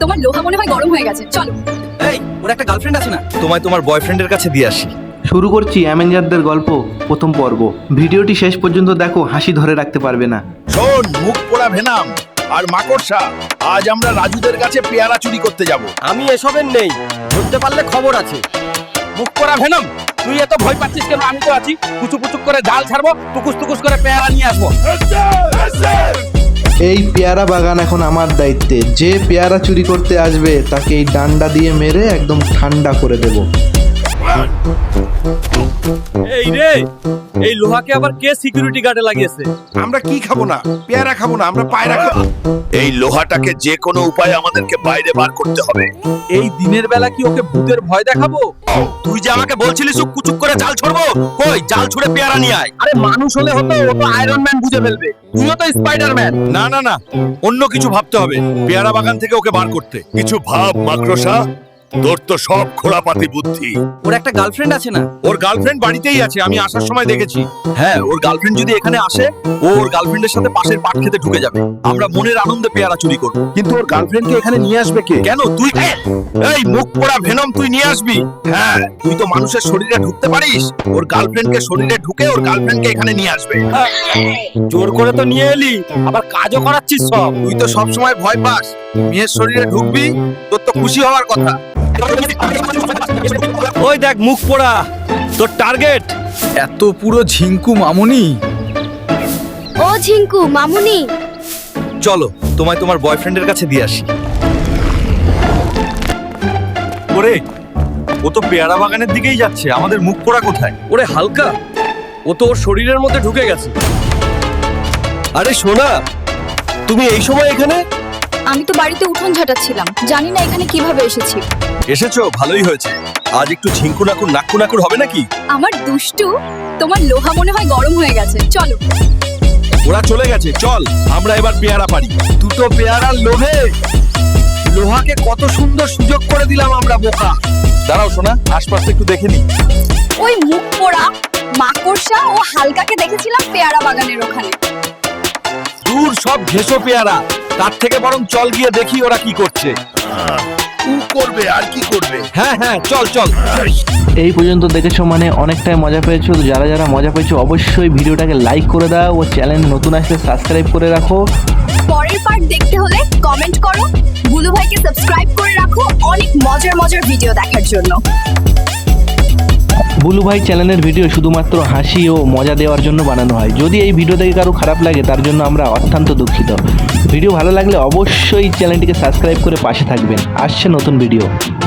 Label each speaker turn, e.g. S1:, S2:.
S1: তোমার লোহা মনে হয় গরম হয়ে গেছে, চলো।
S2: এই, ওর একটা গার্লফ্রেন্ড আছে না? তোমায় তোমার বয়ফ্রেন্ডের কাছে দিয়ে আসি।
S3: শুরু করছি অ্যাভেঞ্জারদের গল্প প্রথম পর্ব। ভিডিওটি শেষ পর্যন্ত দেখো, হাসি ধরে রাখতে পারবে না।
S4: শোন মুখ পোড়া ভেনাম আর মাকড়সা, আজ আমরা রাজুদের কাছে পেয়ারা চুরি করতে যাব।
S2: আমি এসবের নেই, ধরতে পারলে খবর আছে।
S4: মুখ পোড়া ভেনাম, তুই এত ভয় পাচ্ছিস কেন? আমি তো আছি। কুচু কুচু করে জাল ছাড়বো, টুকুস টুকুস করে পেয়ারা নিয়ে আসবো।
S3: এই পেয়ারা বাগান এখন আমার দায়িত্বে। যে পেয়ারা চুরি করতে আসবে তাকে এই ডান্ডা দিয়ে মেরে একদম ঠান্ডা করে দেব।
S2: এই রে, এই লোহাকে আবার কে সিকিউরিটি গার্ডে লাগিয়েছে?
S4: আমরা কি খাবো না? পেয়ারা খাবো না, আমরা পায়রা খাবো। এই লোহাটাকে যে কোনো উপায়ে আমাদেরকে বাইরে বার করতে হবে।
S2: এই দিনের বেলা কি ওকে ভূতের ভয় দেখাবো? তুই যে আমাকে বলছিলিস ও কুচুক করে জাল ছড়বো, কই জাল ছুড়ে পেয়ারা নিয়ে আয়। আরে মানুষ হলে হতো, ও তো আয়রন ম্যান বুঝে ফেলবে। তুইও তো স্পাইডারম্যান।
S4: না না না, অন্য কিছু ভাবতে হবে পেয়ারা বাগান থেকে ওকে বার করতে। কিছু ভাব মাকড়সা, তোর তো সব খোড়াপাতি বুদ্ধি।
S2: ওর একটা গার্লফ্রেন্ড আছে না?
S4: ওর গার্লফ্রেন্ড বাড়িতেই আছে, আমি আসার সময় দেখেছি।
S2: হ্যাঁ, ওর গার্লফ্রেন্ড যদি এখানে আসে, ও ওর গার্লফ্রেন্ডের সাথে পাশের পাট খেতে ঢুকে যাবে। আমরা মনের আনন্দে পেয়ারা চুরি করব।
S4: কিন্তু ওর গার্লফ্রেন্ডকে এখানে নিয়ে আসবে কে? কেন তুই? এই মুখ পোড়া ভেনম, তুই নিয়ে আসবি? হ্যাঁ, তুই তো মানুষের শরীরে ঢুকতে পারিস। ওর গার্লফ্রেন্ডকে শরীরে ঢুকে ওর গার্লফ্রেন্ডকে এখানে নিয়ে আসবে।
S2: জোর করে তো নিয়ে এলি, আবার কাজও করাচ্ছিস সব।
S4: তুই তো সব সময় ভয় পাস। মেয়ের শরীরে ঢুকবি, তোর তো খুশি হওয়ার কথা।
S2: ওই দেখ মুখ পোড়া, তোর টার্গেট।
S5: এত পুরো ঝিঙ্কু মামুনি।
S1: ও ঝিঙ্কু মামুনি,
S2: চলো তোমায় তোমার বয়ফ্রেন্ডের কাছে দিয়ে আসি। ওরে, ও তো পেয়ারা বাগানের দিকেই যাচ্ছে, আমাদের মুখ পোড়া কোথায়? ওরে হালকা, ও তো ওর শরীরের মধ্যে ঢুকে গেছে। আরে সোনা, তুমি এই সময় এখানে?
S1: আমি তো বাড়িতে উঠোন ঝাঁটাচ্ছিলাম, জানি না এখানে কিভাবে এসেছি।
S2: এসেছো, ভালোই হয়েছে। আজ একটু ঝিঙ্কু নাকুর নাক্কু নাকুর হবে নাকি?
S1: আমার দুষ্টু, তোমার লোহা মনে হয় গরম হয়ে গেছে, চলো।
S4: ওরা চলে গেছে, চল আমরা এবার পেয়ারা পারি।
S2: দুটো পেয়ারার লোভে লোহাকে কত সুন্দর সুযোগ করে দিলাম আমরা, বোকা। দাঁড়াও সোনা, আশপাশটা একটু দেখে নি।
S1: ওই মুখ পোড়া মাকড়সা ও হালকাকে দেখেছিলাম পেয়ারা বাগানের ওখানে।
S2: দূর সব ঘেঁষো পেয়ারা, তার থেকে বরং চল গিয়ে দেখি ওরা কি করছে।
S4: ও করবে আর কি করবে?
S2: হ্যাঁ হ্যাঁ, চল চল।
S3: এই পর্যন্ত দেখেছো মানে অনেকটাই মজা পেয়েছো। তো যারা যারা মজা পেয়েছো অবশ্যই ভিডিওটাকে লাইক করে দাও ও চ্যানেল নতুন আসলে সাবস্ক্রাইব করে রাখো।
S1: পরের পার্ট দেখতে হলে কমেন্ট করো, বুলু ভাইকে সাবস্ক্রাইব করে রাখো অনেক মজার মজার ভিডিও দেখার জন্য।
S3: বুলু ভাই চ্যানেলের ভিডিও শুধুমাত্র হাসি ও মজা দেওয়ার জন্য বানানো হয়। যদি এই ভিডিও থেকে কারো খারাপ লাগে তার জন্য আমরা অত্যন্ত দুঃখিত। ভিডিও ভালো লাগলে অবশ্যই চ্যানেলটিকে সাবস্ক্রাইব করে পাশে থাকবেন। আসছে নতুন ভিডিও।